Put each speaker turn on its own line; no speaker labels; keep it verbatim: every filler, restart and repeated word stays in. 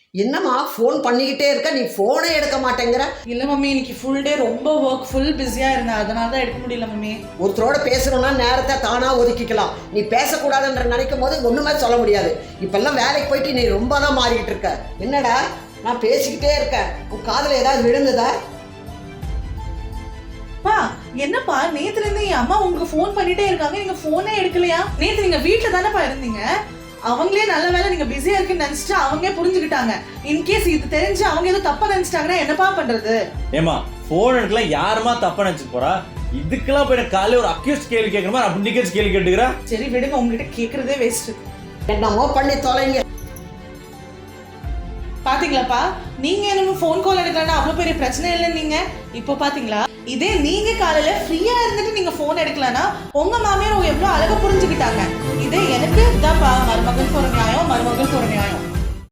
என்னம்மா ஃபோன் பண்ணிக்கிட்டே இருக்க, நீ ஃபோனே எடுக்க மாட்டேங்கிற?
இல்லை மம்மி, இன்னைக்கு ஃபுல் டே ரொம்ப ஒர்க், ஃபுல் பிஸியாக இருந்தேன், அதனால தான் எடுக்க முடியல மம்மி.
ஒருத்தரோட பேசணும்னா நேரத்தை தானாக ஒதுக்கிக்கலாம். நீ பேசக்கூடாதுன்ற நினைக்கும் போது ஒன்றுமே சொல்ல முடியாது. இப்பெல்லாம் வேலைக்கு போயிட்டு நீ ரொம்ப தான் மாறிக்கிட்டு இருக்க. என்னடா நான் பேசிக்கிட்டே இருக்கேன், உன் காதில் ஏதாவது விழுந்ததா?
பா என்னப்பா, நேத்துல இருந்து என் அம்மா உங்களுக்கு ஃபோன் பண்ணிட்டே இருக்காங்க, நீங்க ஃபோனே எடுக்கலையா? நேத்து நீங்க வீட்டுல தானேப்பா இருந்தீங்க. அவங்களே நல்ல வேலை நீங்க பிஸியா இருக்குன்னு நினைச்சிட்டு அவங்களே புரிஞ்சுக்கிட்டாங்க. இன்கேஸ் இது தெரிஞ்சு அவங்க ஏதோ தப்பா நினைச்சிட்டாங்கன்னா என்னப்பா பண்றது?
ஏமா போன் எடுக்கல, யாருமா தப்பா நினைச்சிட்டு போறா? இதுக்கெல்லாம் போய் காலையில ஒரு அக்யூஸ் கேள்வி கேட்கற மாதிரி அப்படி நிக்கச்சு கேள்வி கேட்டுக்கிறா.
சரி விடுங்க, உங்ககிட்ட கேக்குறதே வேஸ்ட்.
என்னமோ பண்ணி தொலைங்க.
பாத்தீங்களாப்பா, நீங்க எனக்கு ஃபோன் கால் எடுக்கலன்னா அவ்வளவு பெரிய பிரச்சனை இல்லை. நீங்க இப்போ பாத்தீங்களா, இதே நீங்க காலையில ஃப்ரீயா இருந்துட்டு நீங்க போன் எடுக்கலன்னா உங்க மாமியார் எவ்வளவு அழகா புரிஞ்சுக்கிட்டாங்க. இதே எனக்கு தான்ப்பா மருமகளுக்கு ஒரு நியாயம், மருமகளுக்கு ஒரு நியாயம்.